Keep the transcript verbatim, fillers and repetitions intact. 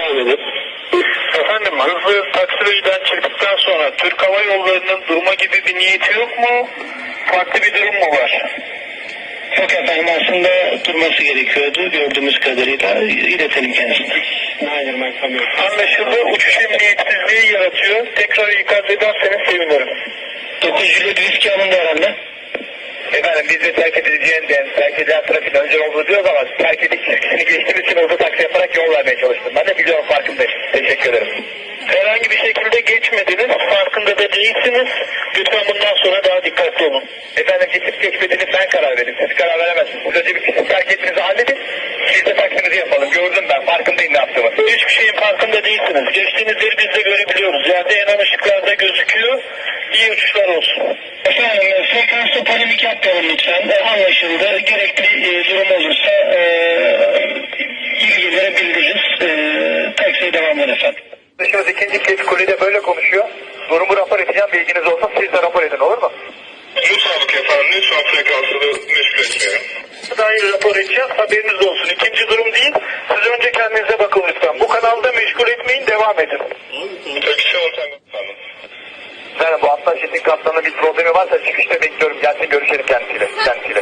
alalım. Efendim, hızlı taksiraydan çıktıktan sonra Türk Hava Yolları'nın durma gibi bir niyeti yok mu? Farklı bir durum mu var? Yok efendim, aslında durması gerekiyordu gördüğümüz kadarıyla. İletelim kendisine. Anlaşıldı. Uçuş emniyetsizliği yaratıyor. Tekrar ikaz ederseniz sevinirim. dokuz Juliet riski alındı herhalde. Efendim biz de terk edileceğinden, terk edilen trafiğin önce olduğu diyoruz ama terk ediş çizgisini geçtiğimiz için hızlı taksi yaparak yol vermeye çalıştım. Ben de biliyorum, farkındayım. Teşekkür ederim. Herhangi bir şekilde geçmediniz. Farkında da değilsiniz. Lütfen bundan sonra daha dikkatli olun. Efendim geçip geçmediğini ben karar verdim. Siz karar veremezsiniz. Siz önce bir kişi terk ettiğinizi halledin. Biz de taksimizi yapalım. Gördüm ben. Farkındayım ne yaptığımı. Hiçbir şeyin farkında değilsiniz. Geçtiğiniz yeri biz de görebiliyoruz. Yerde yanan ışıklarda gözüküyor. İyi uçuşlar olsun. Efendim, frekansta polemik yapmayalım lütfen. E, anlaşıldı. Gerekli e, durum olursa e, ilgililere bildiririz. E, taksiye devam edin efendim. Dışarıda ikinci kez kulede böyle konuşuyor. Durumu rapor edeceğim, bilginiz olsun. Siz de rapor edin, olur mu? Mutabık efendim. Lütfen frekansını meşgul etmeyelim. Dair rapor edeceğiz. Haberiniz olsun. İkinci durum değil. Siz önce kendinize bakın lütfen. Bu kanalda meşgul etmeyin. Devam edin. Taksi ortamı efendim. Yani bu Aslan Şetin kaptanının bir problemi varsa çıkışta bekliyorum. Gelsin görüşelim kendisiyle. kendisiyle.